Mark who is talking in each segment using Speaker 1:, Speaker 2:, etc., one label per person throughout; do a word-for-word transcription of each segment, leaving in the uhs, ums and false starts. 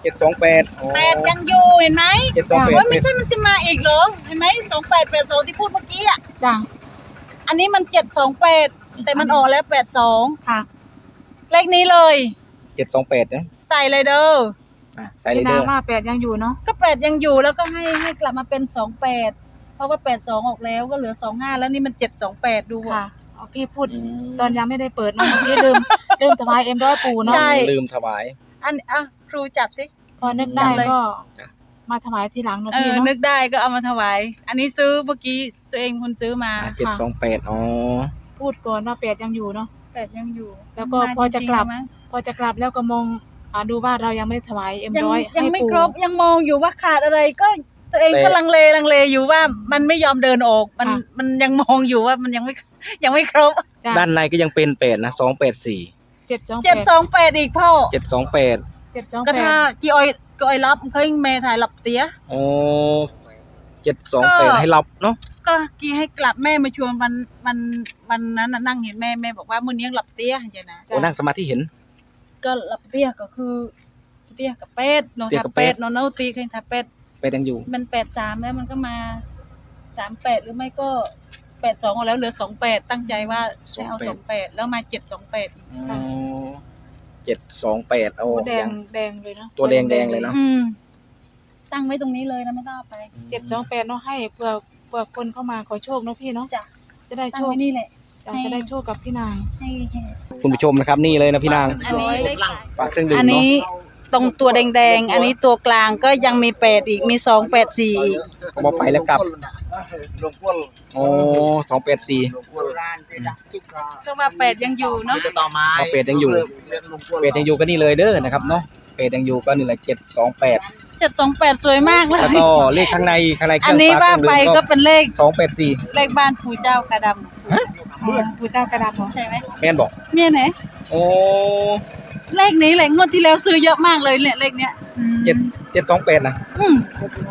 Speaker 1: เจ็ดสองแปด
Speaker 2: แปดยังอยู่เห็นไหม
Speaker 1: เจ็ดสองแปด
Speaker 2: ว่าไม่ใช่มันจะมาอีกเหรอเห็นไหมสองแปดแปดสองที่พูดเมื่อกี้อ่ะ
Speaker 3: จ้ะ
Speaker 2: อันนี้มันเจ็ดสองแปดแต่มันออกแล้วแปดสอง
Speaker 3: ค่ะ
Speaker 2: เลขนี้เลย
Speaker 1: เจ็ดสองแปดนะ
Speaker 2: ใส่เลยเด้อ
Speaker 1: อ่ะใส่เลยเด้อ
Speaker 3: ว่าแปดยังอยู่เนาะ
Speaker 2: ก็แปดยังอยู่แล้วก็ให้ให้กลับมาเป็นสองแปดเพราะว่าแปดสองออกแล้วก็เหลือสองห้าแล้วนี่มันเจ็ดสองแปดดู
Speaker 3: ค่ะเอาพี่พูดตอนยังไม่ได้เปิดนะพี่ลืมลืมถวายเอ็มร้อยปูเนาะ
Speaker 2: ใช่
Speaker 1: ลืมถวาย
Speaker 2: อันอ่ะครูจับสิ
Speaker 3: พอนึกได้ก็มาถวายทีหลังเนาะพี่เนาะ
Speaker 2: นึกได้ก็เอามาถวายอันนี้ซื้อเมื่อกี้ตัวเองคนซื้อมา
Speaker 1: เจ็ดสองแปดอ๋อ
Speaker 3: พูดก่อนว่าแปดยังอยู่เนาะ
Speaker 2: แปดยังอยู่
Speaker 3: แล้วก็พอจะกลับพอจะกลับแล้วก็มองดูว่าเรายังไม่ได้ถวายเอ็มร้อย
Speaker 2: ยังไม่ครบยังมองอยู่ว่าขาดอะไรก็ตัวเองก็ลังเลลังเลอยู่ว่ามันไม่ยอมเดินออกมันมันยังมองอยู่ว่ามันยังไม่ยังไม่ครบ
Speaker 1: ด้านในก็ยังเป็นแปดนะสองแปดสี่
Speaker 3: เจ็ดสอง
Speaker 2: เจ็ดสองแปดอีกพ่อ
Speaker 1: เจ็ดสองแปด
Speaker 3: เจ็ดสองแปด
Speaker 2: ก็ถ้ากี่ออยกี่ออยรับเคยเมย์ถ่ายหลับเตี้ย
Speaker 1: โอ้เจ็ดสองแปดให้รับเนาะ
Speaker 2: ก็กี่ให้กลับแม่มาชวนวันวันวันนั้นนั่งเห็นแม่แม่บอกว่ามื้อนี้หลับเตี้ยเห็นนะ
Speaker 1: โอ้นั่งสมาธิเห็น
Speaker 2: ก็หลับเตี้ยก็คือเตี้ยกับเป็ดเนาะถ้าเป็ดเนาะเนาะตีเคยถ้าเป็ด
Speaker 1: เป็ดยังอยู่
Speaker 2: มันแปดสามแล้วมันก็มาสามแปดหรือไม่ก็แปดสองเอาแล้วเหลือสองแปดตั้งใจว่าจะเอาสองแปดแล้วมาเจ็ดสองแปด
Speaker 1: เจ็ดสองแปดโอ้
Speaker 3: แดงแดงเลยเนาะ
Speaker 1: ตัวแดงแดงเลยเนาะ
Speaker 2: ตั้งไว้ตรงนี้เลยนะไม่ต้องเอาไป
Speaker 3: เจ็ดสองแปดเนาะให้เผื่อเผื่อคนเข้ามาขอโชคเนาะพี่เนาะ
Speaker 2: จ้ะ
Speaker 3: จะได้โชค
Speaker 2: นี่แหละ
Speaker 3: จะได้โชคกับพี่นาง
Speaker 2: ให้
Speaker 1: คุณผู้ชมนะครับนี่เลยนะพี่นาง
Speaker 2: อันนี้
Speaker 1: ฝากเครื่องดื่ม
Speaker 2: อันนี้ตรงตัวแดงๆอันนี้ตัวกลางก็ยังมีแปดอีกมีสองแปดสี่อีก
Speaker 1: พอไปแล้วกลับโอ้สองแปดสี่
Speaker 2: ก็ว่าแปดยังอยู่เนาะ
Speaker 1: เป็ดยังอยู่เป็ดยังอยู่ก็นี่เลยเด้อนะครับเนาะเป็ดยังอยู่ก็นี่แหละเจ็ดสองแปด
Speaker 2: เจ็ดสองแปดสวยมากเลย
Speaker 1: แล้วก็เลขข้างในข้างใน
Speaker 2: อันนี้ว่าไปก็เป็นเลข
Speaker 1: สองแปดสี่
Speaker 2: เลขบ้านปู่เจ้ากระดำ
Speaker 3: ปู่เจ้ากระดำ
Speaker 2: ใช่ไหม
Speaker 1: แม่นบอก
Speaker 2: เมียไหน
Speaker 1: โอ้
Speaker 2: เลขนี้แหละงวดที่แล้วซื้อเยอะมากเลยเนี่ยเลขเนี้ย
Speaker 1: เจ็ดเจ็ดสองแปดนะ
Speaker 2: อืม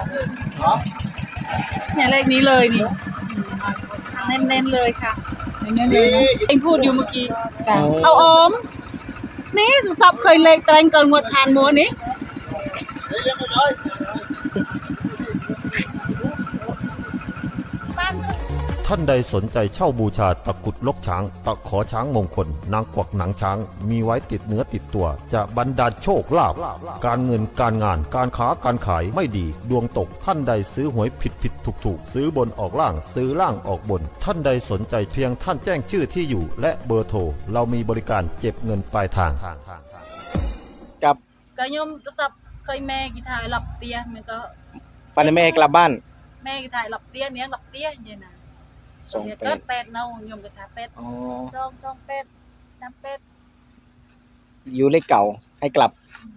Speaker 2: เนี่ยเลขนี้เลยนี่เน้นๆเลยค่ะเน้นๆเลยเองพูดอยู่เมื่อกี้เอาอมนี่สุสับเคยเลขแตงเกินงวดผ่านมัวนี้
Speaker 4: ท่านใดสนใจเช่าบูชาตะกุดลกช้างตะขอช้างมงคลนางกวักหนังช้างมีไว้ติดเนื้อติดตัวจะบรรดาลโชคลาภการเงินการงานการค้าการขายไม่ดีดวงตกท่านใดซื้อหวยผิดผิดถูกถูกซื้อบนออกล่างซื้อล่างออกบนท่านใดสนใจเพียงท่านแจ้งชื่อที่อยู่และเบอร์โทรเรามีบริการเก็บเงินปลายทาง
Speaker 1: กับ
Speaker 2: ก็ยมสับเคยแม่กี่ถ่ายหลับเตี้ยมันก็
Speaker 1: ปันแม่กลับบ้าน
Speaker 2: แม่กี่ถ่ายหลับเตี้ยเนี้ยหลับเตี้ยเย็นนะสองเป็ดเป็ดเน่ายมกระทะเป็ดจองจองเป็ดน้ำเป็ด
Speaker 1: อยู่เลขเก่าให้กลับ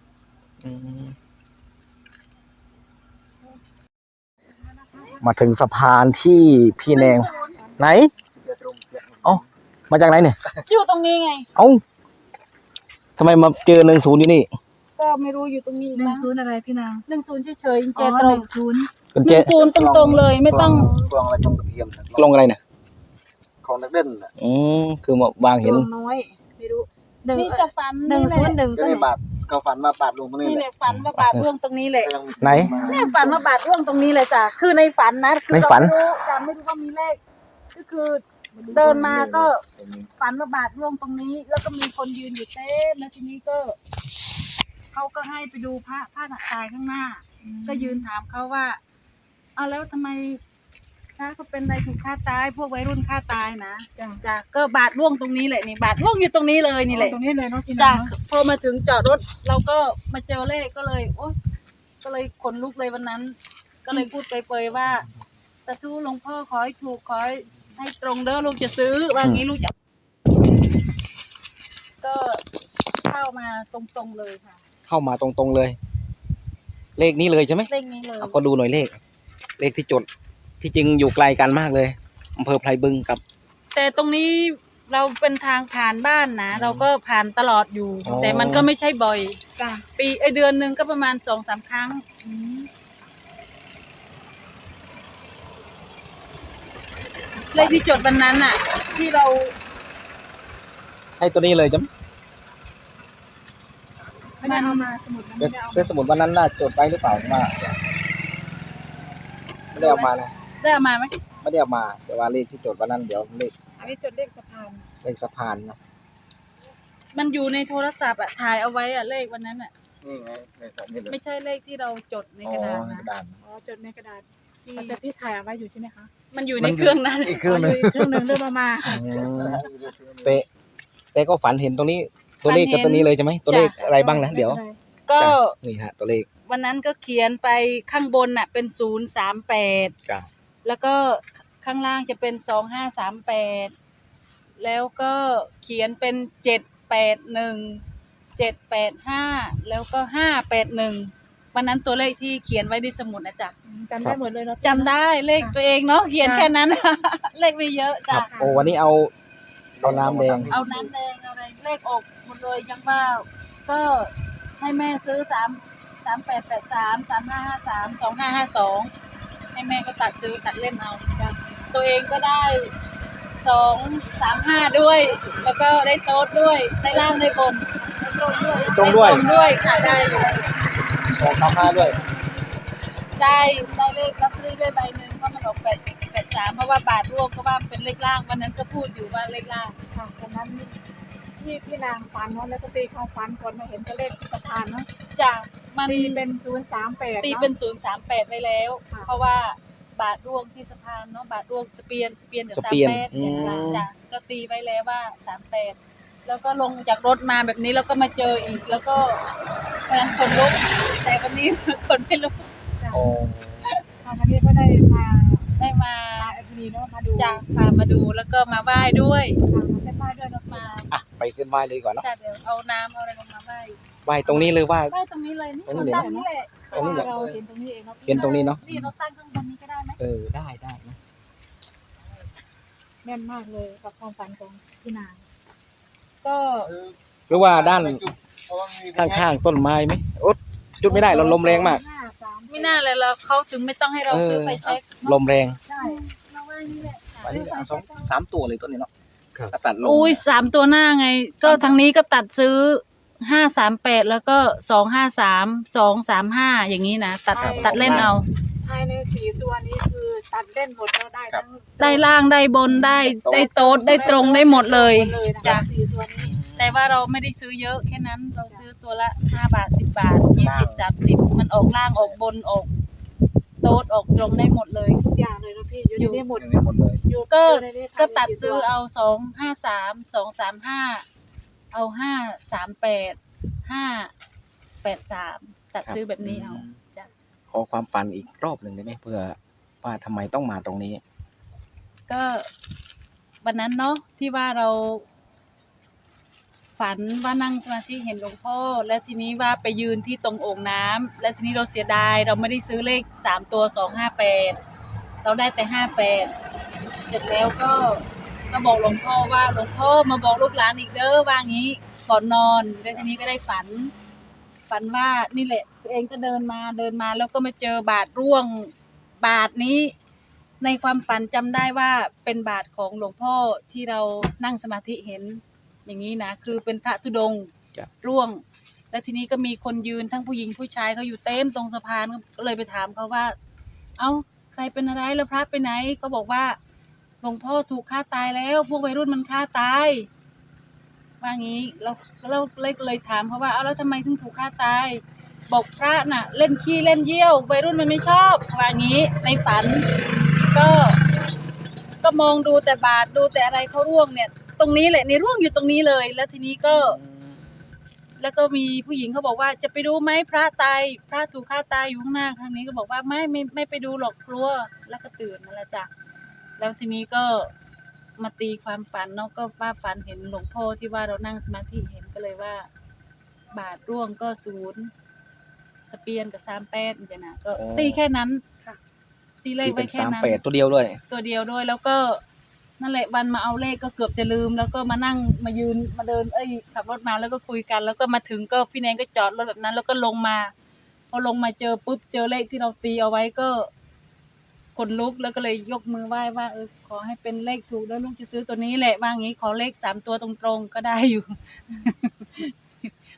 Speaker 1: มาถึงสะพานที่พี่แนงไหนเอ้ามาจากไหนเนี่ย
Speaker 2: อยู่ตรงนี้ไง
Speaker 1: เอ้าทำไมมาเจอหนึ่งศูนย์อยู่นี่
Speaker 2: ก็ไม่รู้อยู่ตรงนี้
Speaker 3: หนึ่งศูนย์อะไรพี่นาง
Speaker 2: หนึ่งศูนย์เฉยๆเจตรง
Speaker 3: ศูนย์
Speaker 2: หนึ่งศูนย์ตรงๆเลยไม่ต้อง
Speaker 1: กลองอะไรตรงตะเกียบกลองอะไรเนี่ยของนักเด่นอืมคือมาวางเห็น
Speaker 3: น้อยไม่รู้
Speaker 2: นี่จะฝัน
Speaker 3: หนึ่งศูนย์หนึ่ง
Speaker 1: ก็บาทก็ฝันมาบาทลงตรงนี้
Speaker 2: นี่แหละฝันมาบาทร่วงตรงนี้แหละ
Speaker 1: ไหน
Speaker 2: เนี่ยฝันมาบาทร่วงตรงนี้เลยจ้ะคือในฝันนะ
Speaker 1: ในฝัน
Speaker 2: จำไม่รู้ว่ามีเลขก็คือเดินมาก็ฝันมาบาทร่วงตรงนี้แล้วก็มีคนยืนอยู่เต้นแล้วทีนี้ก็เขาก็ให้ไปดูพระพระหนักตายข้างหน้าก็ยืนถามเขาว่าเอาแล้วทำไมถ้าเขาเป็นอะไรถูกฆ่าตายพวกวัยรุ่นฆ่าตายนะจ้ะก็บาดร่วงตรงนี้แหละนี่บาดร่วงอยู่ตรงนี้เลยนี่แหละ
Speaker 3: ตรงนี้เลยเนาะ
Speaker 2: จ้ะพอมาถึงจอดรถเราก็มาเจอเลขก็เลยโอ๊ยก็เลยขนลุกเลยวันนั้นก็เลยพูดเปรยๆว่าสาธุหลวงพ่อขอให้ถูกขอให้ตรงเด้อลูกจะซื้อว่างี้ลูกจะก็เข้ามาตรงๆเลยค่ะ
Speaker 1: เข้ามาตรงๆเลยเลขนี้เลยใช่ไหม
Speaker 2: เลขนี้เลย
Speaker 1: เอาก็ดูหน่อยเลขเลขที่จดที่จริงอยู่ไกลกันมากเลยอำเภอไพรบึงกับ
Speaker 2: แต่ตรงนี้เราเป็นทางผ่านบ้านนะเราก็ผ่านตลอดอยู่แต่มันก็ไม่ใช่บ่อยปีไอเดือนหนึ่งก็ประมาณสองสามครั้งเลขที่จดวันนั้นอ่ะที่เรา
Speaker 1: ใช่ตัวนี้เลยจ้ะ
Speaker 3: ไม่ได้เอามาสมุดมัน
Speaker 1: แต่
Speaker 3: ไม่ได้เอา
Speaker 1: แต่สมุดวันนั้นน่าจดไว้หรือเปล่าว่าไม่ได้เอามานะ
Speaker 2: ได้เอามาไหม
Speaker 1: ไม่ได้เอามาแต่ว่าเลขที่จดวันนั้นเดี๋ยวเลข
Speaker 3: อันนี้จดเลขสะพาน
Speaker 1: เลขสะพานนะ
Speaker 2: มันอยู่ในโทรศัพท์อะถ่ายเอาไว้อะเลขวันนั้นอะ
Speaker 1: นี่ไงในสมุด
Speaker 2: ไม่ใช่เลขที่เราจดในกระดาษ
Speaker 1: อ๋อใน
Speaker 2: นะ
Speaker 1: กระดาน
Speaker 3: อ๋อจดในกระดาษ
Speaker 2: ที่
Speaker 3: แต่พี่ถ่ายเอาไว้อยู่ใช่ไหมคะ
Speaker 2: มันอยู่ในเครื่องนั้น
Speaker 1: อีกเครื่องหนึง
Speaker 3: ยู่กเครื่องหนึ่งเริ่มเอามา
Speaker 1: เตะเตะก็ฝันเห็นตรงนี้ตัวเลขกับตัวนี้เลยใช่ไหมตัวเลขอะไรบ้างนะเดี๋ยว
Speaker 2: ก็
Speaker 1: จ้ะนี่ฮะตัวเลข
Speaker 2: วันนั้นก็เขียนไปข้างบนน่ะเป็นศูนย์สามแปด
Speaker 1: จ้ะ
Speaker 2: แล้วก็ข้างล่างจะเป็นสองห้าสามแปดแล้วก็เขียนเป็นเจ็ดแปดหนึ่งเจ็ดแปดห้าแล้วก็ห้าแปดหนึ่งวันนั้นตัวเลขที่เขียนไว้ในสมุดนะจ๊ะ
Speaker 3: จำได้หมดเลยเนาะ
Speaker 2: จำได้เลขตัวเองเนาะเขียนแค่นั้น เลขไม่เยอะ
Speaker 1: ค
Speaker 2: จ้ะ
Speaker 1: รับโอ้วันนี้เอาเอาน้ำแดง
Speaker 2: เอาน้ำแดงเอาอะไรเลขออกหมดเลยยังว่าก็ให้แม่ซื้อสามสามแปดแปดสามสามห้าห้าสามสองห้าห้าสองให้แม่ก็ตัดซื้อตัดเล่นเอาจ้ะตัวเองก็ได้สองสามห้าด้วย แล้วก็ได้โต๊ดด้วยได้ล่างได้บนได้ตรงด้วย
Speaker 1: ตรงด้วย
Speaker 2: ได้ด้วยค่ะได้อยู่
Speaker 1: ออกสามห้าด้วย
Speaker 2: ได้ได้เลขลอตเตอรี่ด้วยใบหนึ่งเพราะมันออกแปดแปดสามเพราะว่าบาทร่วมก็ว่ามันเป็นเลขล่างวันนั้นก็พูดอยู่ว่าเลขล่าง
Speaker 3: ค่ะตอนนั้นพี่พี่นางฝันเนาะแล้วก็ตีความฝันก่อนมาเห็นตัวเลขที่สะพานเนาะ
Speaker 2: จ้ะมัน
Speaker 3: ตีเป็นศูนย์สามแปด
Speaker 2: ตีเป็นศูนย์สามแปดไปแล้ว
Speaker 3: ค่ะ
Speaker 2: เพราะว่าบาทร่วงที่สะพานเนาะบาทร่วงสเปียนสเปียนกับ
Speaker 1: ส
Speaker 2: สาม
Speaker 1: เปียน
Speaker 2: แปด
Speaker 1: อื
Speaker 2: อย่าง
Speaker 1: ม
Speaker 2: นั้นจ้ะก็ตีไว้แล้วว่าสามแปดแล้วก็ลงจากรถมาแบบนี้แล้วก็มาเจออีก แล้วก็เพราะฉะนั้นคนลุกแต่วันนี้ คนไม่ลุก
Speaker 1: โอ้
Speaker 3: ค่ะวันนี้ก็ได้มา
Speaker 2: ได้มา
Speaker 3: มาเอฟดีเนาะมาดู
Speaker 2: จ้ะพามาดูแล้วก็มาไหว้ด้วย
Speaker 3: ค่ะมาเส้นไหว้ด้วยเนาะ
Speaker 2: มา
Speaker 1: อ่ะไปเส้นไหว้เลยดีกว่าเนาะ
Speaker 2: จ้ะเดี๋ยวเอาน้ำเอาอะไรลงมาไหว้
Speaker 1: ไหว้ตรงนี้เลยว่า
Speaker 2: ไหว้ตรงนี้เลยนี่
Speaker 1: ตรงนี้เลย
Speaker 2: ตั้งนี่แหละ
Speaker 1: ตรงนี้แหละ
Speaker 3: เราเห็นตรงนี้เองเนาะ
Speaker 1: เห็นตรงนี้เนาะ
Speaker 2: นี่เราตั้งข้างบนนี้ก็ได้ไหม
Speaker 1: เออได้ได้นะ
Speaker 3: แม่นมากเลยกับความฝันของพี่นาง
Speaker 2: ก็
Speaker 1: หรือว่าด้านข้างๆต้นไม้ไหมโอ๊ตจุดไม่ได้เราลมแรงมาก
Speaker 3: ห้าสาม
Speaker 2: ไม่น่าเลยเราเขาถึงไม่ต้องให้เราซื้อไฟแช็ก
Speaker 1: ลมแรง
Speaker 3: ใช่
Speaker 2: เราว่านี่แหละ
Speaker 1: อันนี้เอาสองสามตัวเลยต้นนี้เนาะถ้าตัดลง
Speaker 2: อุ้ยสามตัวหน้าไง ก็ทางนี้ก็ตัดซื้อห้าสามแปดแล้วก็สองห้าสามสองสามห้าอย่างนี้นะตัดตัดเล่นเอา
Speaker 3: ภายในสี่ตัวนี้คือตัดเล่นหมดแล้วได้ทั้ง
Speaker 2: ได้ล่างได้บนได้ได้โต๊ดได้ตรงได้หมดเลย
Speaker 3: หมดเลยนะคะ
Speaker 2: จ้ะ
Speaker 3: สี่ตัวนี้
Speaker 2: แต่ว่าเราไม่ได้ซื้อเยอะแค่นั้นเราซื้อตัวละห้าบาทสิบบาทยี่สิบสามสิบมันออกล่างออกบนออกโต๊ดออกตรงได้หมดเลย
Speaker 3: ทุกอย่างเลยนะพี่อยู่ในนี้หมด
Speaker 1: อย่างนี้หมดเลย
Speaker 3: อยู่
Speaker 2: ก็
Speaker 3: อยู่ในนี้
Speaker 2: ก็
Speaker 3: ภายใน
Speaker 2: ตัด
Speaker 3: สี่
Speaker 2: ซื้อ
Speaker 3: ว
Speaker 2: เอาสองห้าสามสองสามห้าเอาห้าสามแปดห้าแปดสามตัดซื้อแบบนี้เอาจ้ะ
Speaker 1: ขอความฝันอีกรอบหนึ่งได้ไหมเพื่อว่าทำไมต้องมาตรงนี้
Speaker 2: ก็วันนั้นเนาะที่ว่าเรา ฝันว่านั่งสมาธิเห็นหลวงพ่อแล้วทีนี้ว่าไปยืนที่ตรงโอ่งน้ำแล้วทีนี้เราเสียดายเราไม่ได้ซื้อเลขสามตัวสองห้าแปดเราได้แต่ห้าแปดเสร็จแล้วก็ก็บอกหลวงพ่อว่าหลวงพ่อมาบอกลูกหลานอีกเด้อว่างี้ก่อนนอนแล้วทีนี้ก็ได้ฝัน ฝันว่านี่แหละตัวเองก็เดินมาเดินมาแล้วก็มาเจอบาทร่วงบาทนี้ ในความฝันจำได้ว่าเป็นบาทของหลวงพ่อที่เรานั่งสมาธิเห็นอย่างนี้นะคือเป็นพระธุดงค์
Speaker 1: จ้ะ
Speaker 2: ร่วง แล้วทีนี้ก็มีคนยืนทั้งผู้หญิงผู้ชายเขาอยู่เต็มตรงสะพานก็เลยไปถามเขาว่า เอ้าใครเป็นอะไรแล้วพระไปไหนก็บอกว่าหลวงพ่อถูกฆ่าตายแล้วพวกวัยรุ่นมันฆ่าตายว่างี้เราเราเลยเลยถามเขาว่าเอ้าแล้วทำไมถึงถูกฆ่าตายบอกพระน่ะ เล่นขี้เล่นเยี่ยววัยรุ่นมันไม่ชอบว่างี้ในฝัน ก็ก็มองดูแต่บาทดูแต่อะไรเขาร่วงเนี่ย ตรงนี้แหละในร่วงอยู่ตรงนี้เลย แล้วทีนี้ก็ แล้วก็มีผู้หญิงเขาบอกว่าจะไปดูไหมพระตายพระถูกฆ่าตายอยู่ข้างหน้าทางนี้ก็บอกว่าไม่ไม่ไม่ไปดูหรอกกลัวแล้วก็ตื่นนั่นแหละจ้ะแล้วทีนี้ก็มาตีความฝันเนาะก็ว่าฝันเห็นหลวงพ่อที่ว่าเรานั่งสมาธิเห็นก็เลยว่า บาทร่วงก็ศูนย์สเปียนกับสามแปดจ้ะนะก็
Speaker 1: อ๋อ
Speaker 2: ตีแค่นั้น
Speaker 3: ค่ะ
Speaker 2: ตีเลข
Speaker 1: ที่
Speaker 2: ไว้
Speaker 1: เป็น
Speaker 2: แค่
Speaker 1: สาม
Speaker 2: นั้น
Speaker 1: แปดตัวเดียวด้วย
Speaker 2: ตัวเดียวด้วยแล้วก็นั่นแหละวันมาเอาเลขก็เกือบจะลืม แล้วก็มานั่งมายืนมาเดินเอ้ยขับรถมาแล้วก็คุยกัน แล้วก็มาถึงก็พี่แนนก็จอดรถแบบนั้น แล้วก็ลงมาพอลงมาเจอปุ๊บเจอเลขที่เราตีเอาไว้ก็ขนลุกแล้วก็เลยยกมือไหว้ว่าเออขอให้เป็นเลขถูกแล้วลูกจะซื้อตัวนี้แหละว่างี้ขอเลขสามตัวตรงๆก็ได้อยู่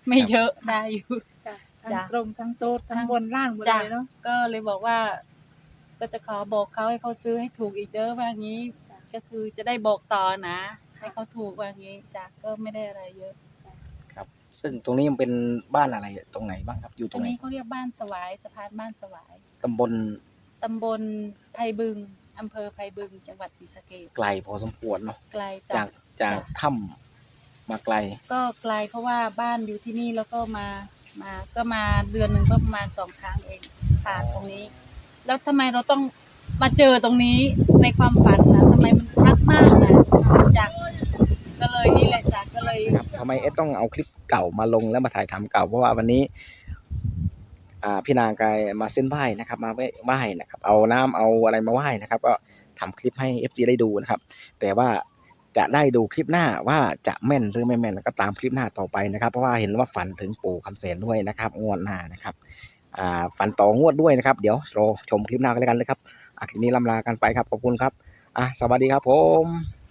Speaker 2: ไม่เยอะได้อยู่
Speaker 3: จ้ะ
Speaker 2: จ้ะ
Speaker 3: ทั้งตรงทั้งโต๊ดทั้งบนล่างหมด
Speaker 2: จ้ะ
Speaker 3: เลยเนาะ
Speaker 2: ก็เลยบอกว่า ก็จะขอบอกเขาให้เขาซื้อให้ถูกอีกเด้อว่างี้ ก็คือจะได้บอกต่อนะให้เขาถูกว่างี้จ้ะก็ไม่ได้อะไรเยอะ
Speaker 1: ครับ ซึ่งตรงนี้มันเป็นบ้านอะไรตรงไหนบ้างครับ อยู่ต
Speaker 2: ต
Speaker 1: ร
Speaker 2: รง ง
Speaker 1: ไหน
Speaker 2: นี้เขาเรียกบ้านสวายสะพานบ้านสวาย
Speaker 1: ตำบล
Speaker 2: ตำบลไพบึงอำเภอไพบึงจังหวัดศรีสะเกษ
Speaker 1: ไกลพอสมควรเนาะ
Speaker 2: ไกล
Speaker 1: จา
Speaker 2: จาก
Speaker 1: กจากถ้ำมาไกล
Speaker 2: ก็ไกลเพราะว่าบ้านอยู่ที่นี่แล้วก็มามาก็มาเดือนหนึ่งก็ประมาณสองครั้งเองผ่านตรงนี้ แล้วทำไมเราต้องมาเจอตรงนี้ในความฝันนะทำไมมันชัดมากนะจากก็เลยนี่แหละจากก็เลย
Speaker 1: ครับทำไมเอสต้องเอาคลิปเก่ามาลงแล้วมาถ่ายทำเก่าเพราะว่าวันนี้ อ่าพี่นางกายมาเส้นไหว้นะครับ มาไหว้นะครับ เอาน้ำเอาอะไรมาไหว้นะครับ ก็ทำคลิปให้ เอฟ ซี ได้ดูนะครับ แต่ว่าจะได้ดูคลิปหน้าว่าจะแม่นหรือไม่แม่นแล้วก็ตามคลิปหน้าต่อไปนะครับ เพราะว่าเห็นว่าฝันถึงปู่คำแสนด้วยนะครับงวดหน้านะครับอ่าฝันต่องวดด้วยนะครับ เดี๋ยวรอชมคลิปหน้ากันแล้วกันนะครับอ่ะคลิปนี้ลำลากันไปครับขอบคุณครับอ่ะสวัสดีครับผม